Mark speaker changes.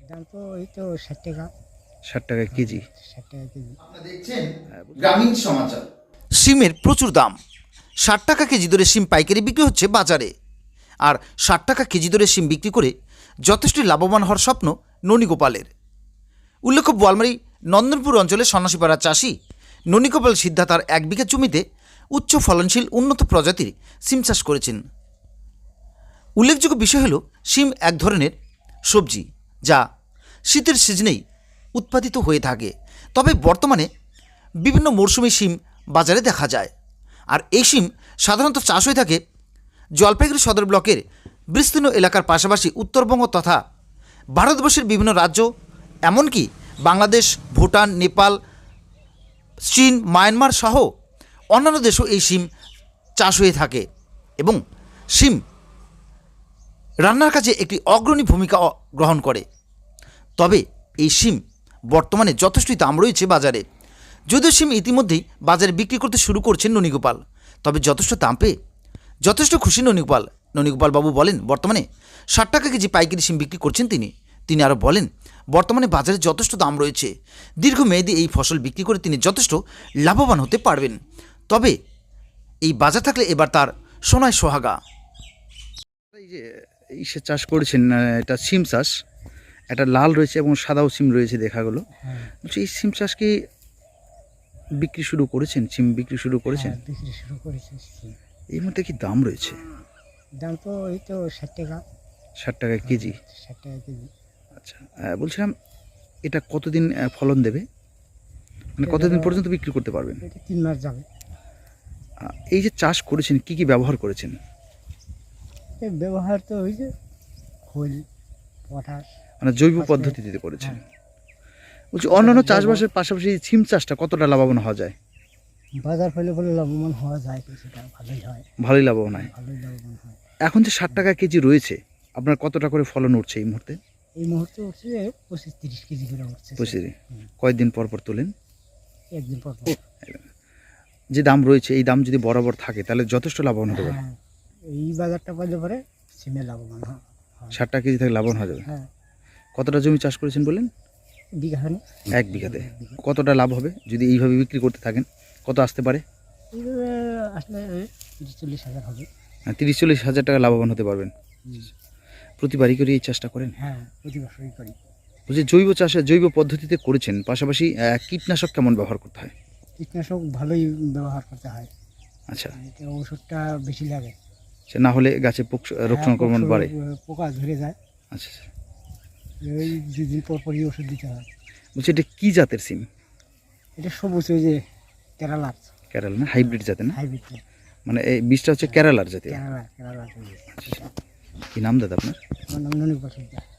Speaker 1: দাম তো এই তো 60 টাকা।
Speaker 2: 60 টাকা কেজি।
Speaker 1: 60 টাকা কেজি।
Speaker 3: আপনারা দেখছেন গ্রামীণ সমাচার।
Speaker 4: শিমের প্রচুর দাম। 60 টাকা কেজি দরে শিম পাইকারি বিক্রি হচ্ছে বাজারে। আর 60 টাকা কেজি দরে শিম বিক্রি করে যথেষ্ট লাভবান হওয়ার স্বপ্ন ননীগোপালের। উল্লেখ্য, বোয়ালমারী নন্দনপুর অঞ্চলের সন্ন্যাসীপাড়া চাষি ননীগোপাল সিদ্ধা তার 1 বিঘা জমিতে উচ্চ ফলনশীল উন্নত প্রজাতির শিম চাষ করেছেন। উল্লেখযোগ্য বিষয় হল, শিম এক ধরনের সবজি যা শীতের সিজনেই উৎপাদিত হয়ে থাকে। তবে বর্তমানে বিভিন্ন মরশুমে শিম বাজারে দেখা যায়। আর এই শিম সাধারণত চাষ হয়ে থাকে জলপাইগুড়ি সদর ব্লকের বিস্তীর্ণ এলাকার পাশাপাশি উত্তরবঙ্গ তথা ভারতবর্ষের বিভিন্ন রাজ্য, এমনকি বাংলাদেশ, ভুটান, নেপাল, চীন, মায়ানমার সহ অন্যান্য দেশেও এই শিম চাষ হয়ে থাকে এবং শিম রান্নার কাজে একটি অগ্রণী ভূমিকা গ্রহণ করে। তবে এই শিম বর্তমানে যথেষ্টই দাম রয়েছে বাজারে। যদিও শিম ইতিমধ্যেই বাজারে বিক্রি করতে শুরু করছেন ননীগোপাল, তবে যথেষ্ট দাম পেয়ে যথেষ্ট খুশি ননীগোপাল বাবু বলেন, বর্তমানে 60 টাকা কেজি পাইকারি শিম বিক্রি করছেন তিনি আরও বলেন, বর্তমানে বাজারে যথেষ্ট দাম রয়েছে। দীর্ঘমেয়াদী এই ফসল বিক্রি করে তিনি যথেষ্ট লাভবান হতে পারবেন। তবে এই বাজার থাকলে এবার তার সোনায় সোহাগা।
Speaker 2: এই যে সে চাষ করেছেন, এটা সিম চাষ, একটা লাল রয়েছে এবং সাদাও সিম রয়েছে দেখা গেলো। বলছি, এই সিম চাষ কি বিক্রি শুরু করেছেন? সিম বিক্রি শুরু করেছেন?
Speaker 1: বিক্রি শুরু করেছে।
Speaker 2: এই মধ্যে কি দাম রয়েছে?
Speaker 1: দাম তো এই তো 60 টাকা।
Speaker 2: 60 টাকা কেজি।
Speaker 1: 60 টাকা কেজি।
Speaker 2: আচ্ছা, বলছিলাম এটা কতদিন ফলন দেবে, মানে কতদিন পর্যন্ত বিক্রি করতে পারবেন?
Speaker 1: এটা 3 মাস যাবে।
Speaker 2: এই যে চাষ করেছেন, কি কি ব্যবহার করেছেন?
Speaker 1: এই ব্যবহার তো ওই যে খোল, পটাশ,
Speaker 2: মানে জৈব পদ্ধতিতে করেছেন। বলছি, অন্যান্য চাষবাসের পাশাপাশি সিম চাষটা কতটা লাভবান হওয়া যায়?
Speaker 1: বাজার ফেলে লাভবান হওয়া যায়, কিছুটা ভালোই হয়।
Speaker 2: ভালোই লাভবান হয়।
Speaker 1: ভালোই লাভবান হয়।
Speaker 2: এখন যে 60 টাকা কেজি রয়েছে, আপনার কতটা করে ফলন উঠছে এই মুহূর্তে?
Speaker 1: এই মুহূর্তে উঠছে 25-30 কেজি করে উঠছে।
Speaker 2: বুঝছি। কয়েকদিন পর পর তোলেন?
Speaker 1: একদিন পর পর।
Speaker 2: যে দাম রয়েছে, এই দাম যদি বরাবর থাকে তাহলে যথেষ্ট লাভবান হতে পারে।
Speaker 1: হ্যাঁ, এই বাজারটা পাইলে পরে সিমে লাভবান হয়।
Speaker 2: 60 টাকা কেজি থেকে লাভবান হয়ে যাবে।
Speaker 1: হ্যাঁ,
Speaker 2: কতটা জমি চাষ করেছেন বললেন?
Speaker 1: বিঘাখানে।
Speaker 2: 1 বিঘাতে কতটা লাভ হবে যদি এইভাবে বিক্রি করতে থাকেন? কত আসতে পারে?
Speaker 1: এইভাবে আসলে 30-40 হাজার হবে।
Speaker 2: 30-40 হাজার টাকা লাভবান হতে পারবেন। প্রতিবারই করে এই চাষটা করেন?
Speaker 1: হ্যাঁ, প্রতি বছরই করি।
Speaker 2: বলছি, জৈব চাষে জৈব পদ্ধতিতে করেছেন, পাশাপাশি কীটনাশক কেমন ব্যবহার করতে হয়?
Speaker 1: কীটনাশক ভালোই ব্যবহার করতে হয়।
Speaker 2: আচ্ছা,
Speaker 1: এতে ওষুধটা বেশি লাগে।
Speaker 2: সে না হলে গাছে রোগ সংক্রমণ বাড়ে।
Speaker 1: পোকা ধরে যায়।
Speaker 2: আচ্ছা,
Speaker 1: ওই 2 দিন পর পরই ওষুধ দিতে হয়।
Speaker 2: বলছি, এটা কী জাতের সিম?
Speaker 1: এটা সবুজ, ওই যে কেরালার।
Speaker 2: কেরালা না, হাইব্রিড জাতের না?
Speaker 1: হাইব্রিড।
Speaker 2: মানে এই বীজটা হচ্ছে কেরালার জাতীয়।
Speaker 1: কেরালা।
Speaker 2: কি নাম দাদা আপনার?
Speaker 1: আমার নাম ননীগোপাল সিদ্ধা।